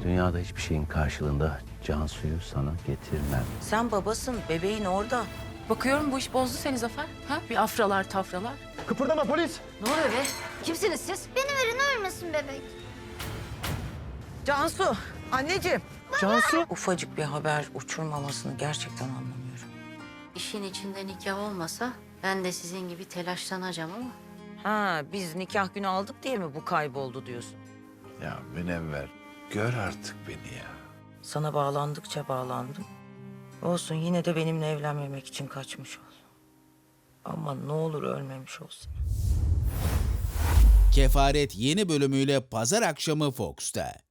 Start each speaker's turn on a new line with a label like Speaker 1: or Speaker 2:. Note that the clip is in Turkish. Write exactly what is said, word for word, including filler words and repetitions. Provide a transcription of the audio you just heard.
Speaker 1: Dünyada hiçbir şeyin karşılığında Cansu'yu sana getirmem.
Speaker 2: Sen babasın, bebeğin orada.
Speaker 3: Bakıyorum bu iş bozdu seni Zafer. Ha? Bir afralar tafralar.
Speaker 4: Kıpırdama polis.
Speaker 3: Ne oluyor be? Kimsiniz siz?
Speaker 5: Beni verin ölmesin bebek.
Speaker 2: Cansu, anneciğim.
Speaker 4: Cansu.
Speaker 2: Ufacık bir haber uçurmamasını gerçekten anlamıyorum.
Speaker 6: İşin içinde nikah olmasa ben de sizin gibi telaşlanacağım ama.
Speaker 2: Ha, biz nikah günü aldık diye mi bu kayboldu diyorsun?
Speaker 7: Ya Münevver, gör artık beni ya.
Speaker 2: Sana bağlandıkça bağlandım. Olsun, yine de benimle evlenmemek için kaçmış ol. Ama ne olur ölmemiş olsun.
Speaker 8: Kefaret yeni bölümüyle pazar akşamı Fox'ta.